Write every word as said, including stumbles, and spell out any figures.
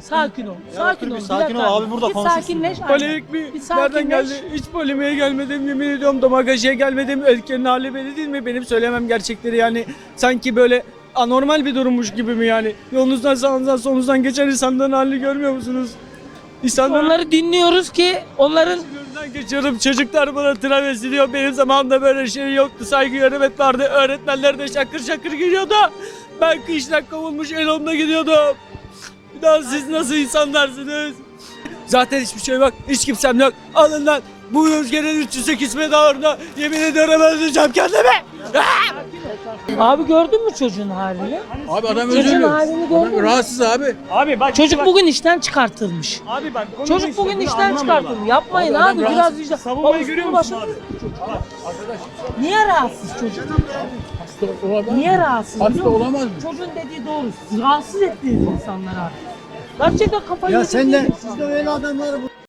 Sakin ol. Sakin ol. bir sakin ol abi, burada bir konuşursun. sakinleş. Polemik mi? Bir Nereden geldi? sakinleş. Hiç polemiğe gelmedim, yemin ediyorum damagajıya gelmedim. Ülkenin hali belli değil mi? Benim söylemem gerçekleri yani sanki böyle anormal bir durummuş gibi mi yani? Yolunuzdan sağınızdan solunuzdan geçen insanların halini görmüyor musunuz? İnsanların Onları dinliyoruz ki onların önünden geçiyorum, çocuklar bana travesti diyor. Benim zamanımda böyle şey yoktu. Saygı hürmet vardı. Öğretmenler de şakır şakır giriyordu. Ben kıştan kovulmuş elomda gidiyordum. Bir daha siz nasıl insanlarsınız? Zaten hiçbir şey yok. Hiç kimsem yok. Alın lan. Bu rüzgarın üç yüz sekiz medarına yemin ediyorum öldüreceğim kendimi. abi gördün mü çocuğun halini? Abi adam Çocuğun özür halini gördün mü? Rahatsız abi. Abi bak Çocuk bugün işten çıkartılmış. Abi bak Çocuk bugün işten çıkartılmış. Yapmayın Abi abi, adam biraz vicdan. savunmayı Babası görüyor bunu musun başardı. abi? Niye rahatsız çocuk? Hasta olamaz Niye mı? rahatsız? Hasta biliyor musun? olamaz mı? Çocuğun dediği doğru. Rahatsız ettiniz insanları artık. Gerçekten kafayı Ya yediniz. sen de siz de öyle adamları